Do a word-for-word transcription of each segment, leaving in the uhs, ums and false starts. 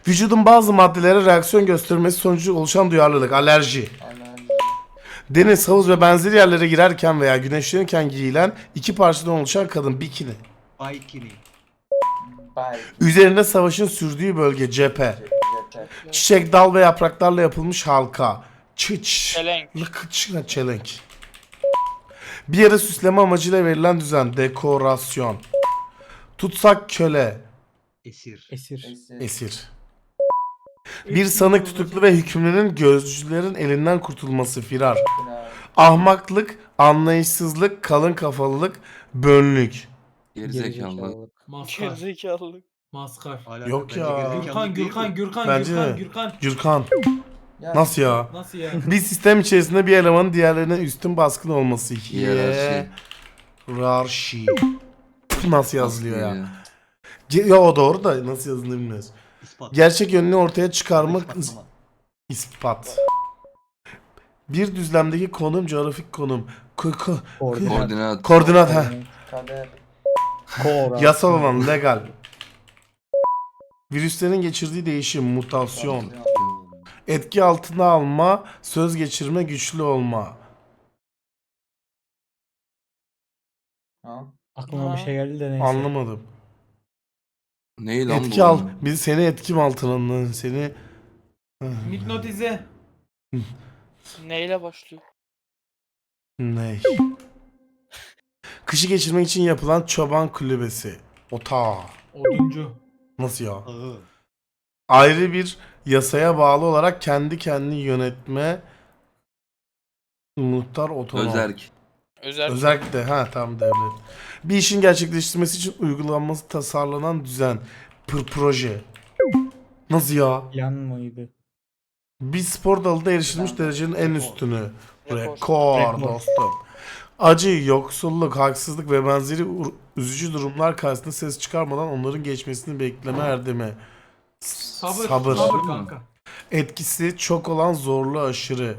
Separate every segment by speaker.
Speaker 1: Vücudun bazı maddelere reaksiyon göstermesi sonucu oluşan duyarlılık, alerji.
Speaker 2: Alerji.
Speaker 1: Deniz, havuz ve benzeri yerlere girerken veya güneşlenirken giyilen iki parçadan oluşan kadın, bikini.
Speaker 3: Bikini.
Speaker 2: Bay.
Speaker 1: Üzerinde savaşın sürdüğü bölge, cephe.
Speaker 2: Cephe.
Speaker 1: Çiçek, dal ve yapraklarla yapılmış halka. Çıç.
Speaker 4: Çelenk.
Speaker 1: Lıkıç, çelenk. Bir yere süsleme amacıyla verilen düzen, dekorasyon. Tutsak, köle,
Speaker 3: Esir.
Speaker 5: Esir.
Speaker 2: Esir.
Speaker 1: esir. Bir sanık, tutuklu ve hükümlünün gözcülerin elinden kurtulması, firar.
Speaker 2: Firar.
Speaker 1: Ahmaklık, anlayışsızlık, kalın kafalılık, bönlük.
Speaker 6: Gerizekalı.
Speaker 5: Gerizekalılık.
Speaker 7: Maskar.
Speaker 4: Gerizekalı.
Speaker 7: Maskar.
Speaker 3: Hala
Speaker 1: Yok
Speaker 3: bence
Speaker 1: ya.
Speaker 3: gerizekalı
Speaker 7: Gürkan,
Speaker 3: değil
Speaker 7: Gürkan,
Speaker 3: mi?
Speaker 7: Gürkan,
Speaker 1: Bence
Speaker 7: Gürkan,
Speaker 1: de.
Speaker 7: Gürkan.
Speaker 1: Gürkan.
Speaker 2: Ya,
Speaker 1: Nasıl ya?
Speaker 7: Nasıl ya?
Speaker 1: Bir sistem içerisinde bir elemanın diğerlerine üstün baskın olması.
Speaker 6: Hiyerarşi.
Speaker 1: Hiyerarşi. Nasıl yazılıyor ya?
Speaker 6: Ya.
Speaker 1: Ge- Ya o doğru da nasıl yazıldığını bilmiyoruz.
Speaker 3: İspat.
Speaker 1: Gerçek yönünü ortaya çıkarmak,
Speaker 3: İspatlama.
Speaker 1: ispat. Bir düzlemdeki konum, coğrafik konum. Ko- ko-
Speaker 5: Koordinat.
Speaker 6: Koordinat.
Speaker 1: koordinat ha.
Speaker 2: Kader.
Speaker 5: Kor.
Speaker 1: Yasal olan, legal. Virüslerin geçirdiği değişim, mutasyon. Etki altına alma, söz geçirme, güçlü olma.
Speaker 2: Ha?
Speaker 5: Aklıma bir şey geldi de neyse.
Speaker 1: Anlamadım.
Speaker 6: Ney lan
Speaker 1: Etki
Speaker 6: bu?
Speaker 1: al. Biz seni etkim altına alın. Seni
Speaker 7: Hipnotize.
Speaker 4: Neyle başlıyor?
Speaker 1: ne? Kışı geçirmek için yapılan çoban kulübesi. Ota.
Speaker 7: Oduncu.
Speaker 1: Nasıl ya?
Speaker 3: Ağı.
Speaker 1: Ayrı bir yasaya bağlı olarak kendi kendini yönetme, muhtar, otonom.
Speaker 6: Özerk.
Speaker 4: Özel.
Speaker 1: Özellikle ha tam devlet. Bir işin gerçekleştirmesi için uygulanması tasarlanan düzen. Pır proje. Nasıl ya?
Speaker 5: Yan mıydı?
Speaker 1: Bir spor dalında erişilmiş derecenin en üstünü.
Speaker 4: Rekor.
Speaker 1: Rekor
Speaker 5: Rekor.
Speaker 1: dostum. Acı, yoksulluk, haksızlık ve benzeri ur- üzücü durumlar karşısında ses çıkarmadan onların geçmesini bekleme erdemi.
Speaker 7: Sabır.
Speaker 1: Sabır.
Speaker 7: Sabır kanka.
Speaker 1: Etkisi çok olan, zorlu, aşırı.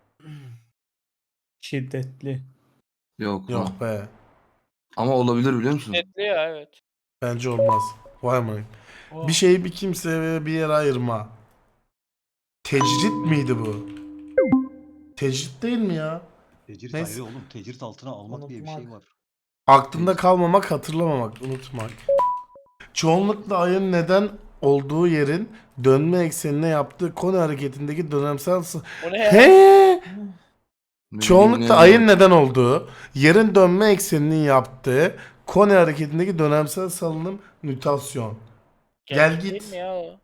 Speaker 5: Şiddetli.
Speaker 6: Yok. Yok.
Speaker 1: Yok be.
Speaker 6: Ama olabilir biliyor musun?
Speaker 4: Netli ya evet.
Speaker 1: Bence olmaz. Vay amına.
Speaker 7: O.
Speaker 1: Bir şeyi bir kimseye ve bir yere ayırma. Tecrit miydi bu? Tecrit değil mi ya?
Speaker 3: Tecrit
Speaker 1: Neyse.
Speaker 3: ayrı oğlum. Tecrit altına almak diye bir şey
Speaker 2: Unutmak.
Speaker 3: var.
Speaker 1: Aklında kalmamak, hatırlamamak, unutmak. Çoğunlukla ayın neden olduğu yerin dönme eksenine yaptığı konu hareketindeki dönemsel... s-
Speaker 4: O ne ya?
Speaker 1: He!
Speaker 6: Ne
Speaker 1: Çoğunlukla
Speaker 6: bileyim
Speaker 1: ayın
Speaker 6: ya.
Speaker 1: neden olduğu, yerin dönme ekseninin yaptığı konu hareketindeki dönemsel salınım, mütasyon. Gel
Speaker 4: Gerçek
Speaker 1: git.
Speaker 4: değil mi ya o?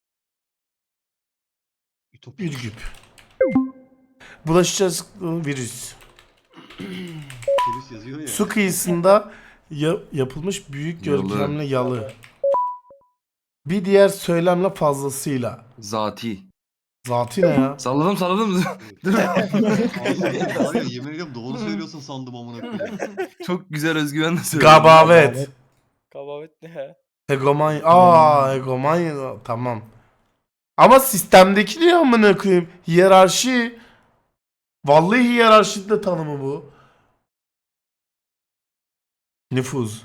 Speaker 3: Ütopya.
Speaker 1: Ürgüp. Bulaşıcı hastalığı, virüs.
Speaker 3: Virüs yazıyor ya.
Speaker 1: Su kıyısında ya- yapılmış büyük
Speaker 6: Yalı.
Speaker 1: görkemli yalı. Bir diğer söylemle fazlasıyla.
Speaker 6: Zati.
Speaker 1: Zati ne ya?
Speaker 6: Salladım salladım. Dur.
Speaker 3: Ağzından var ya, yemin ediyorum doğru söylüyorsun sandım amına koyayım.
Speaker 6: Çok güzel özgüvenle söyledim.
Speaker 1: Gabavet.
Speaker 4: Kabavet ne ya?
Speaker 1: Hegemonya. Aa, hegemonya. Tamam. Ama sistemdeki ne amına koyayım? Hiyerarşi. Vallahi hiyerarşi de tanımı bu. Nüfuz.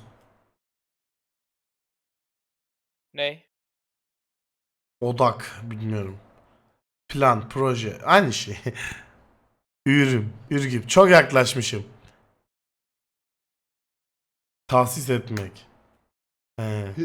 Speaker 4: Ney?
Speaker 1: Odak. Bilmiyorum. Plan, proje. Aynı şey. Ürüm. Ürgüp. Çok yaklaşmışım. Tahsis etmek. He.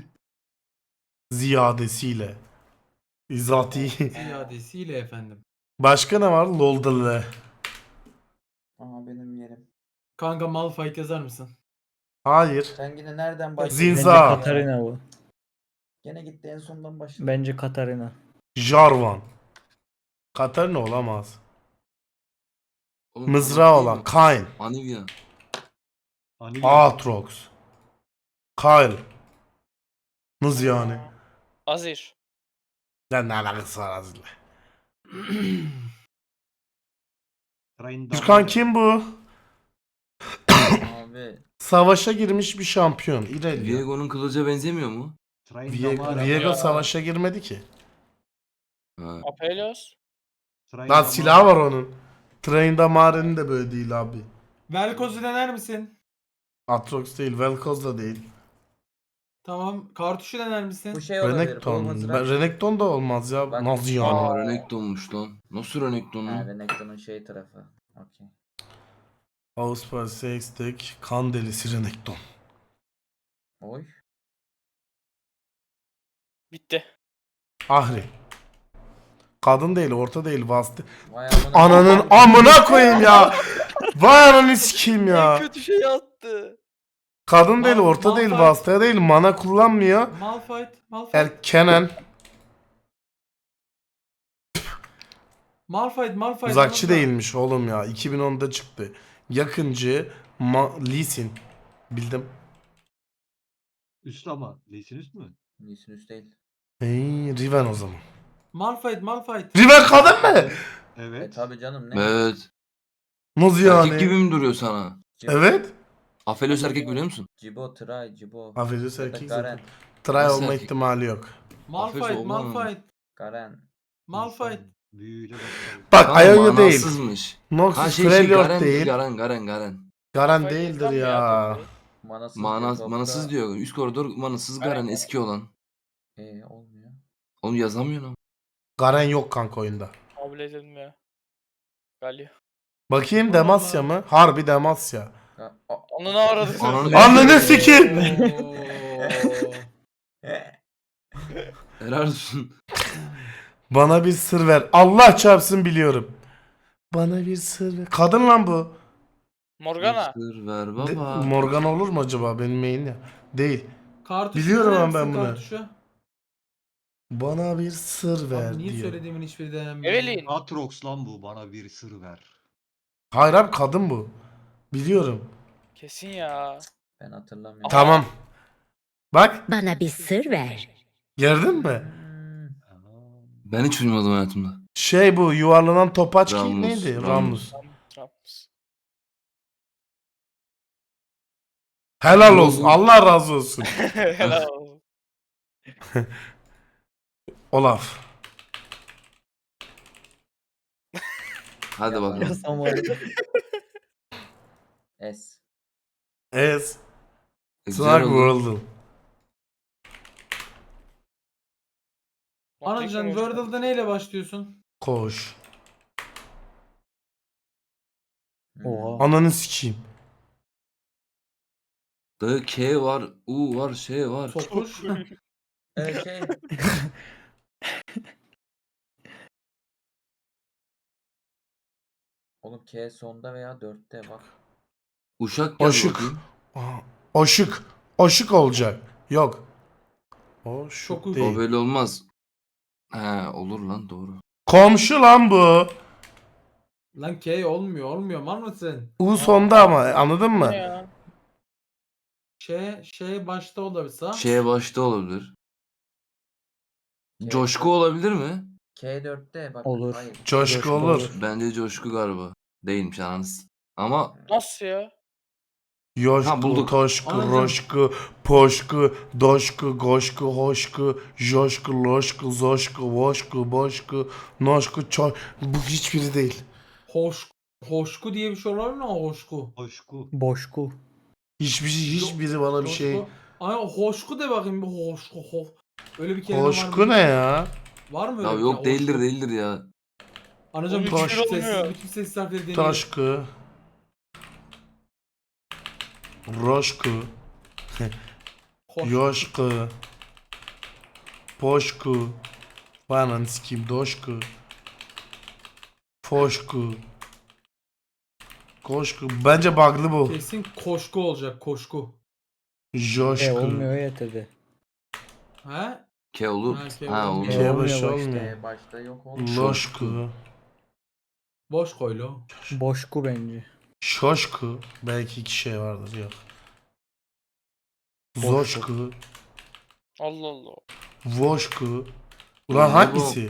Speaker 1: Ziyadesiyle. Zati.
Speaker 7: Ziyadesiyle efendim.
Speaker 1: Başka ne var? Loldalı.
Speaker 2: Aha benim yerim.
Speaker 7: Kanka Malphite yazar mısın?
Speaker 1: Hayır.
Speaker 2: Sen yine nereden başladın?
Speaker 1: Zinza.
Speaker 5: Bence Katarina bu.
Speaker 2: Gene gitti en sondan başladı.
Speaker 5: Bence Katarina.
Speaker 1: Jarvan. Katarina olamaz.
Speaker 6: Oğlum,
Speaker 1: Mızrağı
Speaker 6: değil
Speaker 1: olan.
Speaker 6: mi?
Speaker 1: Kain.
Speaker 6: Anivia.
Speaker 3: Anivia.
Speaker 1: Aatrox. Kyle. Nasıl yani?
Speaker 4: Azir.
Speaker 1: Lan ne alakası var Aziz'le?
Speaker 3: Train
Speaker 1: Gürkan
Speaker 3: Damar.
Speaker 1: kim bu?
Speaker 2: Abi.
Speaker 1: Savaşa girmiş bir şampiyon. İrelia.
Speaker 6: Viego'nun kılıca benzemiyor mu?
Speaker 3: Train
Speaker 1: Viego,
Speaker 3: Damar.
Speaker 1: Viego
Speaker 4: Ya.
Speaker 1: savaşa girmedi ki.
Speaker 6: Ha.
Speaker 4: Apelios.
Speaker 3: Train
Speaker 1: Lan
Speaker 3: Damar.
Speaker 1: silah var onun. Train Damare'nin de böyle değil abi.
Speaker 7: Velkoz'u dener misin?
Speaker 1: Atrox değil, Vel'Koz da değil.
Speaker 7: Tamam. Kartuşu dener misin?
Speaker 2: Bu şey olabilir. Bu
Speaker 1: Renekton.
Speaker 2: mızrak.
Speaker 1: Ben, Renekton da olmaz ya.
Speaker 2: Bak-
Speaker 1: Nasıl yani?
Speaker 6: Aa Renekton'muş lan. Nasıl Renekton
Speaker 2: Ha,
Speaker 6: lan?
Speaker 2: Renekton'un şey tarafı. Okey.
Speaker 1: Ausper Sextek kan delisi Renekton.
Speaker 2: Oy.
Speaker 4: Bitti.
Speaker 1: Ahri. Kadın değil, orta değil, vasıta.
Speaker 2: Vay amına.
Speaker 1: Ananın amına koyayım ya. Vay ananı sikeyim
Speaker 4: En
Speaker 1: ya.
Speaker 4: kötü şeyi attı.
Speaker 1: Kadın değil,
Speaker 7: Mal-
Speaker 1: orta değil,
Speaker 7: Malphite.
Speaker 1: vasıta değil, mana kullanmıyor.
Speaker 7: Malphite. Malphite.
Speaker 1: Erkenen.
Speaker 7: Malphite. Malphite.
Speaker 1: Uzakçı
Speaker 7: Malphite.
Speaker 1: değilmiş oğlum ya. iki bin onda çıktı. Yakıncı. Ma Lee Sin. Bildim.
Speaker 3: Üst ama. Lee'sin üst mü?
Speaker 2: Nisin üst değil.
Speaker 1: Hey, Riven o zaman.
Speaker 7: Malphite. Malphite.
Speaker 1: Riven kadın mı?
Speaker 2: E
Speaker 3: Evet.
Speaker 2: tabi canım ne?
Speaker 6: Evet.
Speaker 1: Nasıl
Speaker 6: Erkek
Speaker 1: yani?
Speaker 6: gibi mi duruyor sana?
Speaker 2: Cibo,
Speaker 1: Evet.
Speaker 6: Aphelios erkek biliyor musun?
Speaker 2: Cibo, Tray, Cibo.
Speaker 1: Aferin
Speaker 2: Ya da
Speaker 1: erkek
Speaker 2: Garen.
Speaker 1: zaten. Try
Speaker 6: Nasıl
Speaker 1: olma
Speaker 6: erkek?
Speaker 1: ihtimali yok.
Speaker 7: Malphite.
Speaker 6: Aferin,
Speaker 7: Malphite.
Speaker 2: Garen.
Speaker 7: Malphite.
Speaker 3: İnsan Büyüyle başlar.
Speaker 1: Bak
Speaker 6: Kanka,
Speaker 1: Ionia değil.
Speaker 6: manasızmış.
Speaker 1: Noxus
Speaker 6: Ha şey şey
Speaker 1: Freljord
Speaker 6: Garen,
Speaker 1: değil.
Speaker 6: Garen Garen Garen.
Speaker 1: Garen
Speaker 4: Kafayı
Speaker 1: değildir
Speaker 4: yesem mi
Speaker 1: ya.
Speaker 4: tabii?
Speaker 2: Manasız
Speaker 6: Mana,
Speaker 2: diyor, topta.
Speaker 6: manasız diyor. Üst koridor manasız
Speaker 4: Garen.
Speaker 6: Garen eski olan.
Speaker 2: Ee, olmuyor.
Speaker 6: Onu yazamıyor ama.
Speaker 1: Garen yok kanka oyunda.
Speaker 4: Kabul edilmiyor. Galio.
Speaker 1: Bakayım
Speaker 7: Allah
Speaker 1: Demasya
Speaker 7: Allah.
Speaker 1: mı? Harbi Demasya.
Speaker 2: Ga- A-
Speaker 4: Onu ne aradı?
Speaker 6: Ananı-
Speaker 1: Ananı sikeyim.
Speaker 7: Oo.
Speaker 6: Helal olsun.
Speaker 1: Bana bir sır ver. Allah çarpsın biliyorum. Bana bir sır ver. Kadın lan bu.
Speaker 4: Morgana.
Speaker 6: Sır ver
Speaker 1: De-
Speaker 6: baba.
Speaker 1: Morgan olur mu acaba benim main ya? Değil.
Speaker 7: Kartuşu
Speaker 1: Biliyorum
Speaker 7: dener
Speaker 1: ama ben
Speaker 7: misin
Speaker 1: bunu.
Speaker 7: kartuşu?
Speaker 1: Bana bir sır ver
Speaker 7: Abi niye
Speaker 1: diyor.
Speaker 7: söylediğimin hiçbiri denenmiyor?
Speaker 4: Evelyn.
Speaker 3: Atrox lan bu. Bana bir sır ver.
Speaker 1: Hayır abi kadın bu. Biliyorum.
Speaker 4: Kesin ya.
Speaker 2: Ben hatırlamıyorum.
Speaker 1: Tamam. Bak
Speaker 8: Bana bir sır ver.
Speaker 1: gördün mü?
Speaker 2: Hmm.
Speaker 3: Aa,
Speaker 6: Ben hiç uyumadım hayatımda.
Speaker 1: Şey bu yuvarlanan topaç ki
Speaker 6: Rammus,
Speaker 1: neydi?
Speaker 6: Rammus.
Speaker 1: Rammus.
Speaker 4: Trumps.
Speaker 1: Helal olsun. Allah razı olsun.
Speaker 4: Helal olsun.
Speaker 1: Olaf.
Speaker 6: Hadi bakalım.
Speaker 5: Yazsam var ya.
Speaker 2: S.
Speaker 1: Es.
Speaker 6: E,
Speaker 1: Snark
Speaker 6: Güzel oldu.
Speaker 1: World'un.
Speaker 7: Anacan Wordle'da neyle başlıyorsun?
Speaker 1: Koş.
Speaker 2: Hmm.
Speaker 5: Oha.
Speaker 1: Ananı sikeyim.
Speaker 6: Dayı K var, U var, şey var.
Speaker 7: Sokuş.
Speaker 2: Ee, şey. Oğlum K sonda veya dörtte bak.
Speaker 6: Uşak yaz
Speaker 1: Oşuk.
Speaker 6: bakayım.
Speaker 1: Aa, Oşuk. Oşuk olacak. Yok. Oşuk
Speaker 7: Şoku.
Speaker 1: değil.
Speaker 6: O böyle olmaz. He olur lan doğru.
Speaker 1: Komşu lan bu.
Speaker 7: Lan K olmuyor olmuyor mal mısın?
Speaker 1: U sonda ama anladın mı?
Speaker 4: Ne ya?
Speaker 7: Şey şey başta olabilirse.
Speaker 6: Şeye başta olabilir.
Speaker 2: K-
Speaker 6: Coşku olabilir mi?
Speaker 2: K dörtte bak.
Speaker 5: Olur.
Speaker 2: Hayır.
Speaker 1: Coşku
Speaker 5: Coşku
Speaker 1: olur.
Speaker 5: olur.
Speaker 6: Bence coşku galiba. Değilmiş ananız. Ama
Speaker 4: Nasıl ya?
Speaker 1: Yoşku,
Speaker 6: Ha, bulduk.
Speaker 1: toşku,
Speaker 7: Anladım.
Speaker 1: roşku, poşku, doşku, goşku, hoşku, joşku, loşku, zoşku, voşku, boşku, noşku, ço... Bu hiçbiri değil.
Speaker 7: Hoş hoşku diye bir şey olabilir mi o hoşku?
Speaker 3: Hoşku.
Speaker 5: Boşku.
Speaker 1: Hiçbir hiçbiri bana bir şey.
Speaker 7: Hoşku. Ay hoşku de bakayım bir hoşku ho. Öyle bir kelime var
Speaker 1: Hoşku
Speaker 7: mı?
Speaker 1: ne ya?
Speaker 7: Var mı öyle
Speaker 6: ya
Speaker 7: bir
Speaker 6: yok
Speaker 7: kelime?
Speaker 6: değildir
Speaker 7: Hoşku.
Speaker 6: değildir ya.
Speaker 7: Anacığım
Speaker 4: Oğlum
Speaker 7: bütün
Speaker 1: hiçbiri
Speaker 7: sessiz,
Speaker 4: olmuyor.
Speaker 7: bütün sessiz harfleri deneyin.
Speaker 1: Taşku. Roşku,
Speaker 7: Hoş.
Speaker 1: yoşku, poşku, bana sikeyim doşku, foşku, koşku. Bence bug'lı bu.
Speaker 7: Kesin koşku olacak koşku.
Speaker 5: E
Speaker 1: Joşku.
Speaker 5: olmuyor ya tabi.
Speaker 7: He?
Speaker 6: K olur.
Speaker 7: Ha, K
Speaker 6: Ha
Speaker 7: olmuyor.
Speaker 6: olur.
Speaker 1: K
Speaker 5: olmuyor
Speaker 1: başı
Speaker 5: başta.
Speaker 1: olmuyor.
Speaker 2: K başta yok oğlum.
Speaker 1: Loşku,
Speaker 7: Boş koy lo.
Speaker 5: Boşku bence.
Speaker 1: şoşku. Belki iki şey vardır yok. Zoşku,
Speaker 4: Allah Allah.
Speaker 1: voşku. Ulan
Speaker 6: Ne bu?
Speaker 1: hangisi?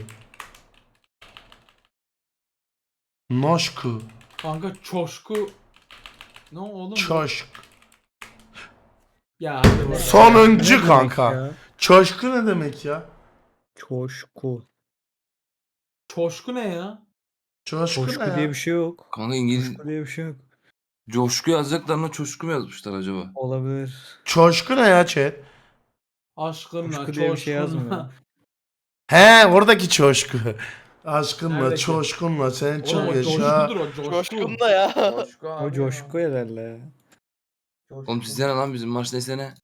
Speaker 1: Noşku,
Speaker 7: Kanka çoşku. Ne oğlum? bu?
Speaker 1: çoşk.
Speaker 7: Ya hadi bak.
Speaker 1: Sonuncu
Speaker 5: Ne demek
Speaker 1: kanka.
Speaker 5: ya?
Speaker 1: Çoşku ne demek ya?
Speaker 5: Çoşku.
Speaker 7: Çoşku ne ya?
Speaker 1: Çoşku,
Speaker 5: Çoşku
Speaker 1: ne ya?
Speaker 5: diye bir şey yok.
Speaker 6: Kanka İngiliz
Speaker 5: Çoşku diye bir şey yok.
Speaker 6: coşku yazacaklarına çoşku mu yazmışlar acaba?
Speaker 5: Olabilir.
Speaker 1: Çoşku ne ya chat?
Speaker 7: Aşkınla,
Speaker 5: Coşku diye bir şey
Speaker 7: coşkunla.
Speaker 5: yazmıyor.
Speaker 1: He oradaki coşku. Aşkınla,
Speaker 7: Neredeki?
Speaker 1: çoşkunla sen
Speaker 7: Oğlum
Speaker 1: çok
Speaker 7: o
Speaker 1: yaşa.
Speaker 7: coşkudur o coşku.
Speaker 4: Coşkun da ya.
Speaker 2: Coşku abi
Speaker 5: O
Speaker 2: ya.
Speaker 5: coşku herhalde ya.
Speaker 2: Coşku.
Speaker 6: Oğlum sizde ne lan bizim maç neyse ne?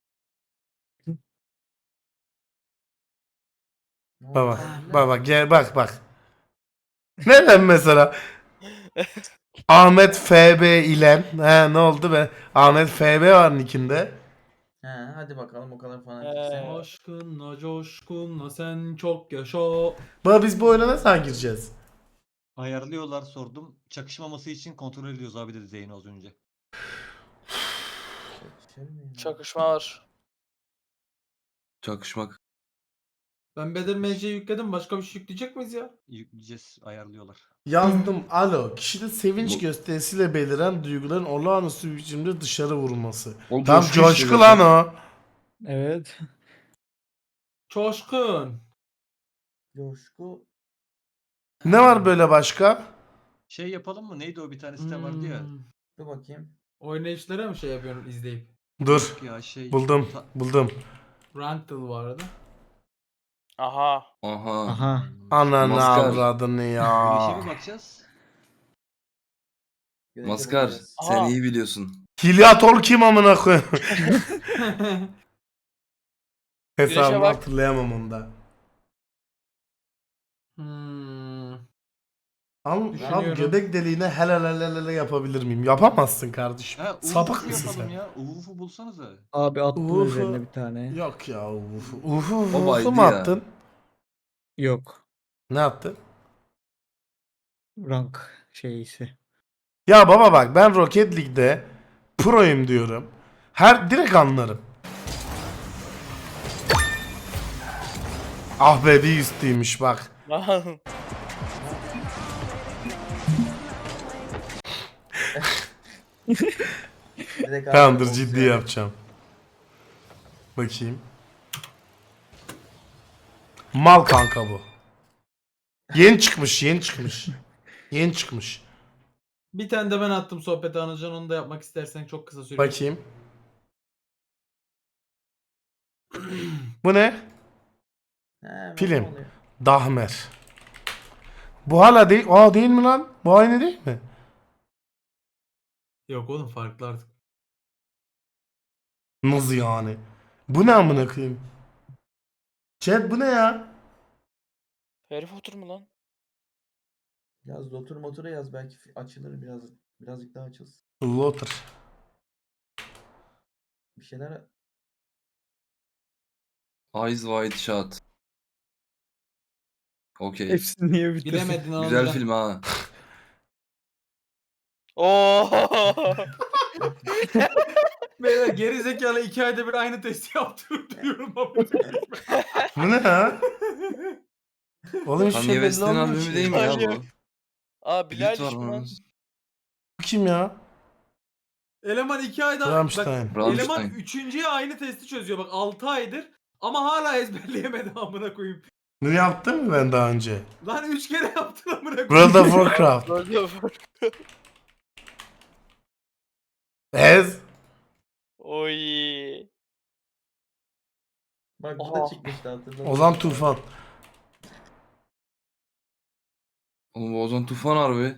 Speaker 2: Ne oldu
Speaker 1: Baba,
Speaker 2: lan?
Speaker 1: baba gel bak bak. Neden mesela? Ahmet F B ile he ne oldu be? Ahmet F B var nickinde.
Speaker 2: He hadi bakalım o kadar
Speaker 4: He.
Speaker 2: fanatiksen.
Speaker 7: Aşkınla, coşkunla sen çok yaşa.
Speaker 1: Baba biz bu oyuna ne zaman gireceğiz?
Speaker 3: Ayarlıyorlar sordum. Çakışmaması için kontrol ediyoruz abi dedi Zeyno az önce.
Speaker 2: Çakışır mı ya?
Speaker 4: Çakışma var.
Speaker 6: Çakışmak.
Speaker 7: Ben Bedir M C'yi yükledim. Başka bir şey yükleyecek miyiz ya?
Speaker 3: Yükleyeceğiz ayarlıyorlar.
Speaker 1: Yazdım alo. Kişide sevinç
Speaker 6: Bu-
Speaker 1: gösterisiyle beliren duyguların olağanüstü bir biçimde dışarı vurulması.
Speaker 6: O
Speaker 1: Tam
Speaker 6: coşku işte
Speaker 1: coşku
Speaker 6: zaten.
Speaker 1: lan o.
Speaker 5: Evet.
Speaker 7: Coşkun.
Speaker 2: Coşku.
Speaker 1: Ne var böyle başka?
Speaker 3: Şey yapalım mı? Neydi o bir tane site vardı ya.
Speaker 7: Hmm.
Speaker 2: Dur bakayım.
Speaker 7: Oynayışlara mı şey yapıyorsun izleyip?
Speaker 1: Dur.
Speaker 3: Yok ya şey.
Speaker 1: Buldum.
Speaker 3: Ta-
Speaker 1: Buldum.
Speaker 7: Ranked vardı.
Speaker 4: Aha.
Speaker 6: Aha.
Speaker 5: Aha.
Speaker 1: Ananı
Speaker 6: Maskar.
Speaker 1: avradını
Speaker 3: Güneşe
Speaker 1: ya.
Speaker 3: mi bakacağız?
Speaker 2: Güneşe
Speaker 6: Maskar
Speaker 2: bakacağız.
Speaker 6: sen
Speaker 4: Aha.
Speaker 6: iyi biliyorsun.
Speaker 1: Hilyatol kim amına koyayım? Hesabını
Speaker 4: bak.
Speaker 1: hatırlayamam onda.
Speaker 7: hmm.
Speaker 1: Al, al
Speaker 7: Düşünüyorum.
Speaker 1: göbek deliğine helal helal helal yapabilir miyim? Yapamazsın kardeşim.
Speaker 3: Ha,
Speaker 1: Sapık
Speaker 3: Sapık
Speaker 1: mısın
Speaker 3: yapalım
Speaker 1: sen?
Speaker 3: ya. Uvuf'u bulsanıza.
Speaker 5: Abi attım
Speaker 1: Ufu.
Speaker 5: üzerine bir tane.
Speaker 1: Yok ya ufu. Ufu,
Speaker 6: O
Speaker 1: ufu
Speaker 6: baydı
Speaker 1: mu
Speaker 6: ya.
Speaker 1: attın?
Speaker 5: Yok.
Speaker 1: Ne attın?
Speaker 5: Rank şeysi.
Speaker 1: Ya baba bak ben Rocket League'de proyum diyorum. Her direkt anlarım. Ah be bir üstüymüş bak.
Speaker 4: Lan.
Speaker 2: Direkt abi
Speaker 1: Tamamdır
Speaker 2: boks
Speaker 1: ciddi
Speaker 2: yani.
Speaker 1: yapacağım. Bakayım. Mal kanka bu. Yeni çıkmış yeni çıkmış. Yeni çıkmış.
Speaker 7: Bir tane de ben attım sohbeti Anılcan, onu da yapmak istersen çok kısa sürüyor.
Speaker 1: Bakayım. Bu ne?
Speaker 2: He, hemen
Speaker 1: Film.
Speaker 2: ne oluyor?
Speaker 1: Dahmer. Bu hala değil. Aa değil mi lan? Bu aynı değil mi?
Speaker 7: Yok oğlum farklı artık.
Speaker 1: Nasıl yani? Bu ne amına koyayım? Chat bu ne ya?
Speaker 4: Harry Potter mu lan?
Speaker 2: Yaz otur motora yaz belki fi- açılır biraz. Birazcık daha açılsın.
Speaker 1: Lotter.
Speaker 2: Bir şeyler
Speaker 6: Eyes Wide Shut. Okey.
Speaker 5: Hepsini niye bitirdin?
Speaker 7: Bilemedin Anılcan.
Speaker 6: Güzel film ha.
Speaker 4: Oo.
Speaker 7: Beyler geri zekalı iki ayda bir aynı testi yaptırıp duruyorum ama.
Speaker 1: Bu ne ya? Oğlum hiçbir şey
Speaker 6: Kanye
Speaker 1: belli
Speaker 6: West'in
Speaker 1: olmuyor
Speaker 6: albümü
Speaker 1: ki.
Speaker 6: değil mi ya
Speaker 4: Hayır.
Speaker 6: bu?
Speaker 4: Aa Bilal
Speaker 6: Beat var
Speaker 4: iş mi lan?
Speaker 6: bunun.
Speaker 1: Bu kim ya?
Speaker 7: Eleman iki ayda
Speaker 1: Rammstein.
Speaker 7: bak,
Speaker 6: Rammstein.
Speaker 7: eleman üçüncüye aynı testi çözüyor bak altı aydır ama hala ezberleyemedi amına koyayım.
Speaker 1: Bunu yaptın mı ben daha önce?
Speaker 7: Lan üç kere yaptın amına koyayım.
Speaker 1: World of Warcraft.
Speaker 4: Böyle
Speaker 1: Ez.
Speaker 4: Oy.
Speaker 2: bak bu
Speaker 4: Oha.
Speaker 2: da çıkmıştı hatırladın.
Speaker 1: Ozan Tufan.
Speaker 6: Oğlum bu Ozan Tufan harbi.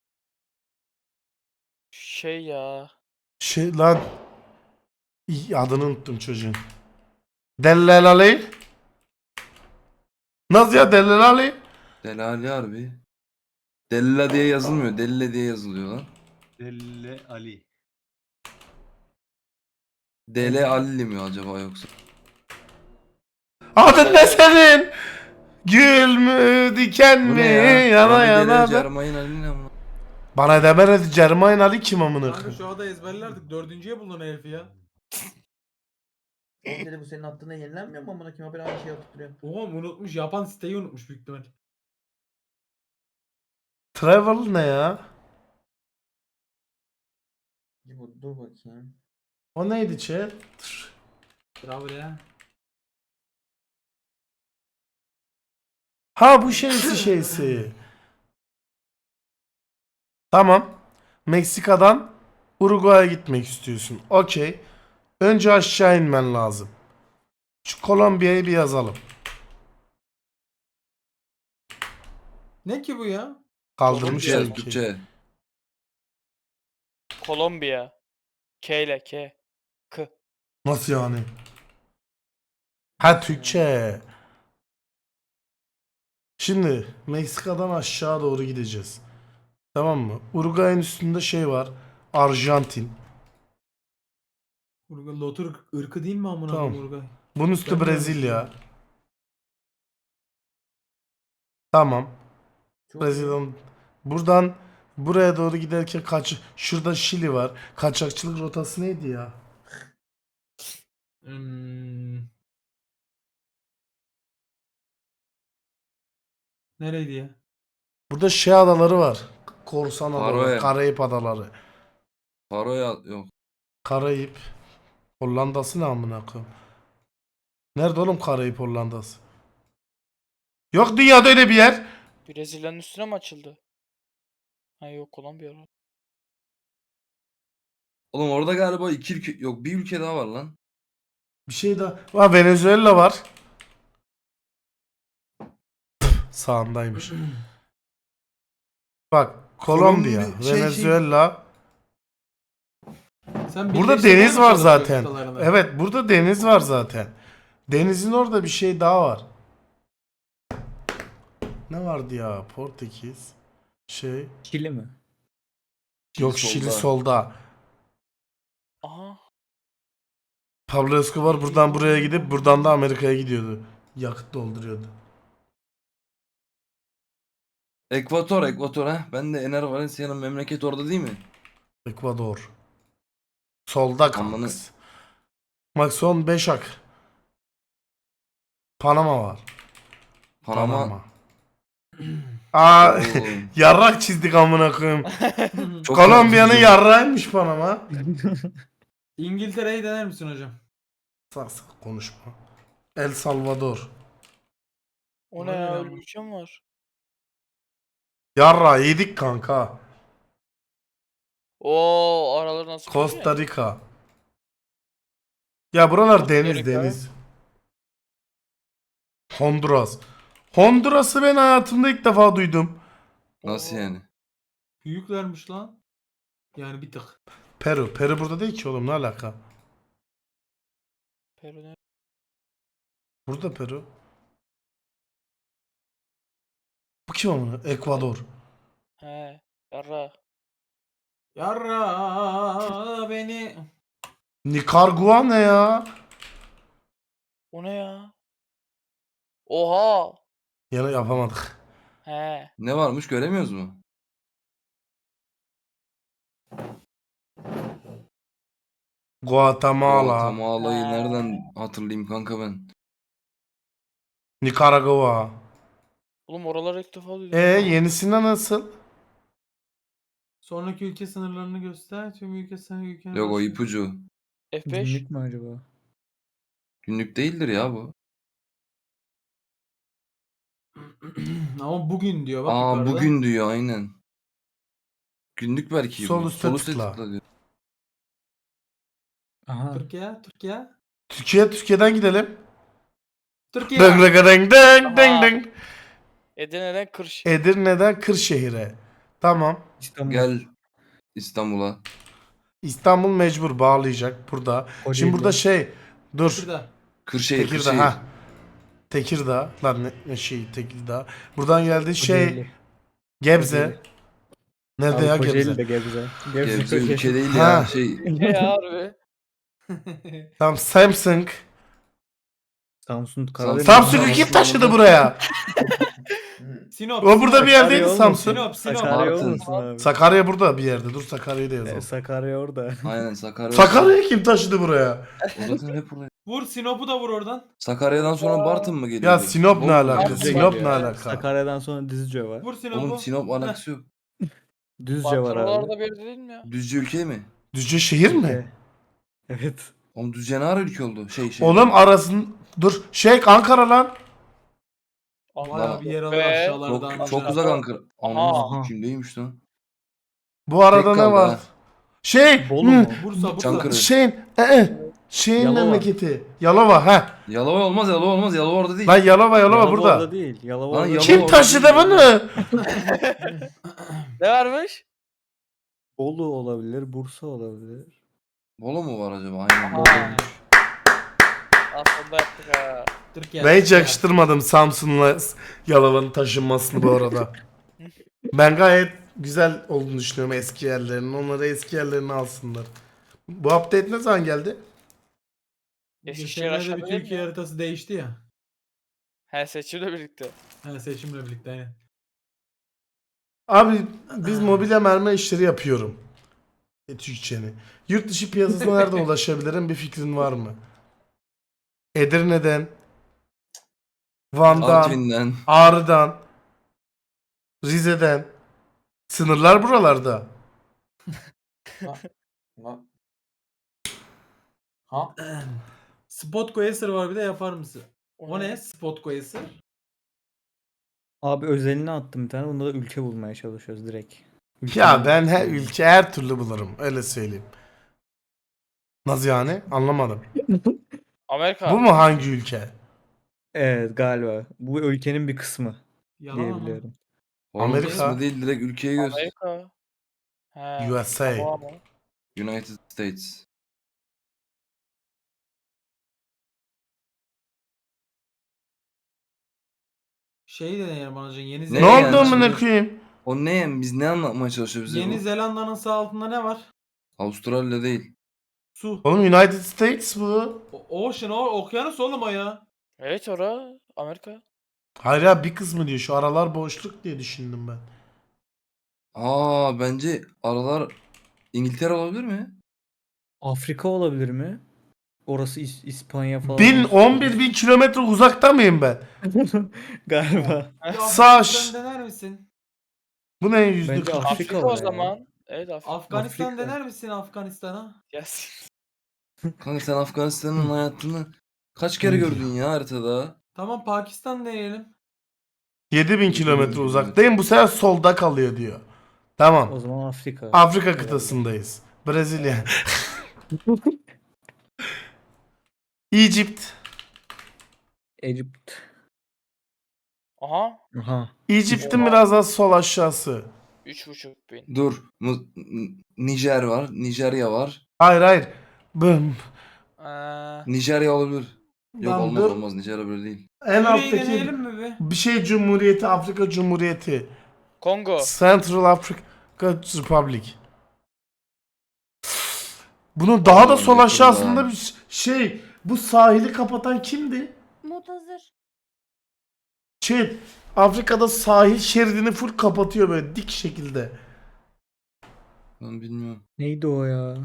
Speaker 4: Şey ya.
Speaker 1: Şey lan. İy, adını unuttum çocuğun. Dellalali. Nasıl ya Dellalali?
Speaker 6: Delali harbi. Della diye yazılmıyor. Delle diye yazılıyor lan.
Speaker 3: Delle Ali.
Speaker 6: Dele Alli mi acaba yoksa?
Speaker 1: Adın ne senin? Gül mü diken
Speaker 6: Bu
Speaker 1: mi
Speaker 6: ne ya?
Speaker 1: yana
Speaker 6: Ahmet
Speaker 1: yana
Speaker 6: Dele
Speaker 1: da.
Speaker 6: Cermayın Ali ne ama?
Speaker 1: Bana demedi Cermain Ali kim amına
Speaker 7: Kanka
Speaker 1: koyayım?
Speaker 7: şu anda ezberlerdik. Dördüncüye bulun herifi ya.
Speaker 2: Oğlum dedi bu senin attığına yenilenmiyor mu amına koyayım? Ben aynı şeyi atıp duruyorum.
Speaker 7: Oğlum unutmuş. Yapan siteyi unutmuş büyük ihtimal.
Speaker 1: Travel ne ya?
Speaker 2: Bir bu- Dur bakayım.
Speaker 1: O neydi chat?
Speaker 7: Bravo ya.
Speaker 1: Ha bu şeysi şeysi. Tamam. Meksika'dan Uruguay'a gitmek istiyorsun. Okey. Önce aşağı inmen lazım. Şu Kolombiya'yı bir yazalım.
Speaker 7: Ne ki bu ya?
Speaker 1: Kaldırmışlar
Speaker 6: Türkçe,
Speaker 1: ülkeyi.
Speaker 6: Türkçe.
Speaker 4: Kolombiya. K ile K. K.
Speaker 1: Nasıl yani? Ha Türkçe. Şimdi Meksika'dan aşağı doğru gideceğiz. Tamam mı? Uruguay'ın üstünde şey var. Arjantin.
Speaker 7: Urga Lotur ırkı değil mi amına
Speaker 1: Tamam.
Speaker 7: koyayım Urgay?
Speaker 1: Bunun üstü
Speaker 7: Ben de
Speaker 1: Brezilya.
Speaker 7: yanlış
Speaker 1: Tamam.
Speaker 2: Çok
Speaker 1: Brezilya'dan buradan buraya doğru giderken kaç şurada Şili var. Kaçakçılık rotası neydi ya?
Speaker 7: Hmm. Nereydi ya?
Speaker 1: Burada şey adaları var. Korsan adaları,
Speaker 6: Faroe.
Speaker 1: Karayip adaları.
Speaker 6: Paroya yok.
Speaker 1: Karayip Hollanda'sı ne amına koyayım? Nerede oğlum Karayip Hollanda'sı? Yok dünyada öyle bir yer.
Speaker 4: Brezilya'nın üstüne mi açıldı? Ha yok Kolombiya. orada.
Speaker 6: Oğlum orada galiba iki ülke yok bir ülke daha var lan.
Speaker 1: Bir şey daha. Ha Venezuela var. Sağındaymış. Bak Kolombiya,
Speaker 6: Kolombi- şey, şey.
Speaker 1: Venezuela.
Speaker 7: Sen
Speaker 1: Burada
Speaker 7: birleştirmeye
Speaker 1: deniz
Speaker 7: mi
Speaker 1: var
Speaker 7: çalışıyorsun
Speaker 1: zaten.
Speaker 7: kıtalarını?
Speaker 1: Evet burada deniz var zaten. Denizin orada bir şey daha var. Ne vardı ya? Portekiz. Şey.
Speaker 5: Şili mi?
Speaker 1: Yok
Speaker 6: solda.
Speaker 1: Şili solda.
Speaker 4: Aha.
Speaker 1: Pablo Escobar buradan buraya gidip buradan da Amerika'ya gidiyordu. Yakıt dolduruyordu.
Speaker 6: Ekvator, Ekvator ha. Ben de Ener Valencia'nın memleket orada değil mi?
Speaker 1: Ekvador. Solda
Speaker 6: Amanı-
Speaker 1: kanks. Bak son beş ak. Panama var.
Speaker 6: Panama.
Speaker 1: Aa
Speaker 6: Oğlum,
Speaker 1: yarrak çizdik amına koyayım.
Speaker 6: çok
Speaker 1: Kolombiya'nın
Speaker 6: korkutucu.
Speaker 1: yarrağıymış Panama.
Speaker 7: İngiltere'yi dener misin hocam?
Speaker 1: Sak sak konuşma. El Salvador.
Speaker 4: O
Speaker 7: Ona
Speaker 4: ne
Speaker 7: ne
Speaker 4: ya?
Speaker 7: lan
Speaker 4: Öyle
Speaker 7: bu?
Speaker 4: bir şey mi var?
Speaker 1: Yarra yedik kanka.
Speaker 4: Oo araları nasıl koydu ya?
Speaker 1: Costa Rica. Ya buralar
Speaker 4: Costa
Speaker 1: deniz
Speaker 4: Rica.
Speaker 1: deniz. Honduras. Honduras'ı ben hayatımda ilk defa duydum.
Speaker 6: Nasıl
Speaker 4: Oo.
Speaker 6: yani?
Speaker 7: Büyüklermiş lan. Yani bir tık.
Speaker 1: Peru. Peru burada değil ki oğlum ne alaka?
Speaker 4: Peru ne?
Speaker 1: Burada Peru. Bu kim amına? Ekvador.
Speaker 4: He. Yarra.
Speaker 7: Yarra beni.
Speaker 1: Nikaragua ne ya?
Speaker 4: O ne ya? Oha.
Speaker 1: Yine yapamadık.
Speaker 4: He.
Speaker 6: Ne varmış göremiyoruz mu?
Speaker 1: Guatemala.
Speaker 6: Guatemala'yı
Speaker 4: Ha.
Speaker 6: nereden hatırlayayım kanka ben?
Speaker 1: Nikaragua.
Speaker 4: Oğlum oraları ilk defa duydum.
Speaker 1: E yenisinde nasıl?
Speaker 7: Sonraki ülke sınırlarını göster. Tüm ülke sınırı ülkenin
Speaker 6: Yok o
Speaker 7: başı-
Speaker 6: ipucu.
Speaker 4: F beş.
Speaker 5: Günlük mü acaba?
Speaker 6: Günlük değildir ya bu.
Speaker 7: Ama bugün diyor bak
Speaker 6: Aa
Speaker 7: yukarıda.
Speaker 6: bugün diyor aynen. Günlük belki
Speaker 1: Sol
Speaker 6: bu.
Speaker 1: üstte
Speaker 6: Sol üstte
Speaker 1: tıkla.
Speaker 6: tıkla diyor.
Speaker 5: Aha.
Speaker 7: Türkiye, Türkiye.
Speaker 1: Türkiye Türkiye'den gidelim.
Speaker 7: Türkiye.
Speaker 1: Deng deng deng deng deng
Speaker 4: Aha.
Speaker 1: deng.
Speaker 4: Edirne'den Kırş.
Speaker 1: Edirne'den Kırşehir'e. Tamam.
Speaker 5: İstanbul.
Speaker 6: Gel İstanbul'a.
Speaker 1: İstanbul mecbur bağlayacak burada.
Speaker 5: Kocaeli.
Speaker 1: Şimdi burada şey dur.
Speaker 7: Şurada.
Speaker 6: Kırşehir,
Speaker 1: Tekirdağ
Speaker 6: Kırşehir.
Speaker 1: ha. Tekirdağ lan ne, ne şey Tekirdağ. Buradan geldi şey
Speaker 5: Kocaeli.
Speaker 1: Gebze.
Speaker 5: Kocaeli.
Speaker 1: Nerede
Speaker 5: Abi
Speaker 1: ya
Speaker 5: Kocaeli
Speaker 1: Gebze?
Speaker 5: de Gebze. Gebze,
Speaker 6: Gebze
Speaker 5: Kocaeli.
Speaker 6: ülke değil
Speaker 1: Ha.
Speaker 6: ya. Şey
Speaker 4: Ne ya harbi?
Speaker 1: Tamam Samsung.
Speaker 5: Samsun, Karadeniz.
Speaker 1: Samsung'u kim taşıdı buraya?
Speaker 7: Sinop.
Speaker 1: O burada bir yerdeydi
Speaker 5: Sakarya
Speaker 1: Samsung.
Speaker 7: Sinop, Sinop.
Speaker 5: Sakarya
Speaker 6: Bartın.
Speaker 5: olmasın abi.
Speaker 1: Sakarya burada bir yerde. Dur Sakarya'yı da
Speaker 5: E,
Speaker 1: yazalım.
Speaker 5: Sakarya orada.
Speaker 6: aynen Sakarya.
Speaker 1: Sakarya'yı kim taşıdı buraya?
Speaker 6: O zaten hep oraya.
Speaker 7: Vur Sinop'u da vur oradan.
Speaker 6: Sakarya'dan sonra Bartın mı geliyor?
Speaker 1: Ya Sinop ne alaka?
Speaker 4: Düzce
Speaker 1: Sinop
Speaker 4: geliyor.
Speaker 1: ne alaka?
Speaker 5: Sakarya'dan sonra Düzce var.
Speaker 7: Vur Sinop'u.
Speaker 6: Oğlum Sinop alakası yok.
Speaker 5: Düzce var abi.
Speaker 4: Oralarda bir yerde değil mi ya?
Speaker 6: Düzce ülke mi?
Speaker 1: Düzce şehir mi?
Speaker 5: Ülke. Evet.
Speaker 6: Oğlum Düzce ne ara ülke oldu? Şey şey.
Speaker 1: Oğlum arasın dur. Şey Ankara lan.
Speaker 7: Bayağı bir yer alır
Speaker 4: Be.
Speaker 7: aşağılardan.
Speaker 6: Çok, çok
Speaker 7: aşağı.
Speaker 6: uzak Ankara.
Speaker 4: Aha.
Speaker 6: Anam kimdeymiş lan?
Speaker 1: Bu arada
Speaker 6: Tek
Speaker 1: ne
Speaker 6: kaldı
Speaker 1: var?
Speaker 6: ha.
Speaker 1: Şey.
Speaker 5: Bolu
Speaker 1: hı,
Speaker 5: mu?
Speaker 7: Bursa, Bursa.
Speaker 6: Çankırı.
Speaker 1: Şey. e, e, Şeyin
Speaker 5: Yalova.
Speaker 1: memleketi. Yalova ha.
Speaker 6: Yalova olmaz, Yalova olmaz. Yalova orada değil.
Speaker 1: Lan Yalova Yalova
Speaker 5: Yalova
Speaker 1: burada.
Speaker 5: orada değil. Yalova
Speaker 6: Lan
Speaker 5: orada
Speaker 6: Yalova
Speaker 5: değil.
Speaker 1: Kim taşıdı bunu?
Speaker 4: Ne varmış?
Speaker 5: Bolu olabilir, Bursa olabilir.
Speaker 6: Bolu mu var acaba? Aynen.
Speaker 4: Aha.
Speaker 6: Bolu.
Speaker 4: Aslında yaptık ha.
Speaker 7: Türkiye.
Speaker 1: Ben hiç yakıştırmadım Samsun'la Yalova'nın taşınmasını bu arada. Ben gayet güzel olduğunu düşünüyorum eski yerlerinin. Onları eski yerlerine alsınlar. Bu update ne zaman geldi?
Speaker 4: Eskişehir
Speaker 7: Geçenlerde bir
Speaker 4: aşağıda değil mi
Speaker 7: Türkiye
Speaker 4: ya?
Speaker 7: haritası değişti ya.
Speaker 4: He seçimle birlikte.
Speaker 7: Ha, seçimle birlikte aynen.
Speaker 1: Abi biz mobilya mermer işleri yapıyorum. E, Türkçeni. Yurt dışı piyasasına nereden ulaşabilirim? Bir fikrin var mı? Edirne'den, Van'dan,
Speaker 6: Artvin'den.
Speaker 1: Ağrı'dan, Rize'den. Sınırlar buralarda.
Speaker 2: Ha. Ha.
Speaker 7: Spot Coaster var bir de yapar mısın? O
Speaker 4: O
Speaker 7: ne?
Speaker 4: ne?
Speaker 7: Spot Coaster.
Speaker 5: Abi özelini attım bir tane. Bunda da ülke bulmaya çalışıyoruz direkt. Ülkenin
Speaker 1: Ya ben her
Speaker 5: ülkesi.
Speaker 1: ülke her türlü bulurum. Öyle söyleyeyim. Nasıl yani? Anlamadım.
Speaker 4: Amerika.
Speaker 1: Bu mu hangi ülke?
Speaker 5: Evet galiba. Bu ülkenin bir kısmı
Speaker 7: Yalan ama.
Speaker 5: diyebiliyorum.
Speaker 6: Onun
Speaker 1: Amerika.
Speaker 6: kısmı değil, direkt ülkeyi göster.
Speaker 4: Amerika. He.
Speaker 1: U S A.
Speaker 4: Tamam ama.
Speaker 6: United States.
Speaker 7: Şey de deneyelim anacığım. Yeni
Speaker 6: Ne
Speaker 1: Ne
Speaker 7: Zelanda.
Speaker 6: yani
Speaker 1: oldu amına
Speaker 6: şimdi?
Speaker 1: koyayım?
Speaker 6: O ne yani? Biz ne anlatmaya çalışıyor bize
Speaker 7: Yeni
Speaker 6: bu?
Speaker 7: Zelanda'nın sağ altında ne var?
Speaker 6: Avustralya değil.
Speaker 7: Su.
Speaker 1: Oğlum United States bu.
Speaker 7: O- Ocean o okyanus oğlum o ya.
Speaker 4: Evet ora Amerika.
Speaker 1: Hayır ya bir kısmı diyor. Şu aralar boşluk diye düşündüm ben.
Speaker 6: Aa, bence aralar İngiltere olabilir mi?
Speaker 5: Afrika olabilir mi? Orası İs- İspanya falan.
Speaker 1: Bin,
Speaker 5: olsun.
Speaker 1: on bir bin kilometre uzakta mıyım ben?
Speaker 5: Galiba.
Speaker 7: Bir
Speaker 1: Sağ
Speaker 7: Afganistan
Speaker 1: ş-
Speaker 7: dener misin?
Speaker 1: Bu ne yüzde
Speaker 5: Bence
Speaker 1: kırk?
Speaker 5: Afrika
Speaker 4: Afrika
Speaker 5: var
Speaker 4: o
Speaker 5: ya.
Speaker 4: zaman. Evet Afrika.
Speaker 7: Afganistan
Speaker 5: Afrika.
Speaker 7: dener misin Afganistan'a?
Speaker 4: Yes.
Speaker 6: Kanka sen Afganistan'ın hayatını kaç kere gördün ya haritada?
Speaker 7: Tamam Pakistan deneyelim.
Speaker 1: yedi bin kilometre uzaktayım. Bu sefer solda kalıyor diyor. Tamam.
Speaker 5: O zaman Afrika.
Speaker 1: Afrika
Speaker 5: Herhalde.
Speaker 1: kıtasındayız. Brezilya. Egypt.
Speaker 5: Egypt.
Speaker 4: Aha.
Speaker 5: Aha.
Speaker 1: Egypt'in biraz daha sol aşağısı.
Speaker 4: Üç buçuk bin.
Speaker 6: Dur. Mu- N- Nijer var. Nijerya var.
Speaker 1: Hayır hayır. Bım.
Speaker 4: Ee,
Speaker 6: Nijerya olabilir. Yok
Speaker 1: Lan
Speaker 6: olmaz
Speaker 1: dur.
Speaker 6: olmaz. Nijerya böyle değil.
Speaker 1: En
Speaker 7: Suriye'yi
Speaker 1: alttaki
Speaker 7: deneyelim mi bir?
Speaker 1: bir şey Cumhuriyeti, Afrika Cumhuriyeti.
Speaker 4: Kongo.
Speaker 1: Central Africa Republic. Bunun daha da
Speaker 6: Aman
Speaker 1: sol
Speaker 6: yakında.
Speaker 1: aşağısında bir şey. Bu sahili kapatan kimdi?
Speaker 8: Mutazır.
Speaker 1: Şey, Afrika'da sahil şeridini full kapatıyor böyle dik şekilde.
Speaker 6: Ben bilmiyorum.
Speaker 5: Neydi o ya?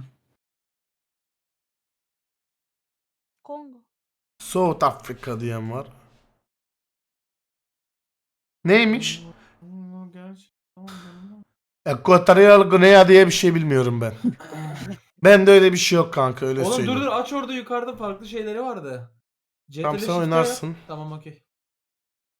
Speaker 8: Kongo.
Speaker 1: South Africa diyen var. Neymiş? Ekvatorial Güney diye bir şey bilmiyorum ben. Ben de öyle bir şey yok kanka öyle
Speaker 7: Oğlum dur
Speaker 1: söyleyeyim.
Speaker 7: dur aç orada yukarıda farklı şeyleri vardı.
Speaker 1: Tamam
Speaker 7: C T R L
Speaker 1: sen
Speaker 7: Shift'e
Speaker 1: oynarsın.
Speaker 7: yap. Tamam okey.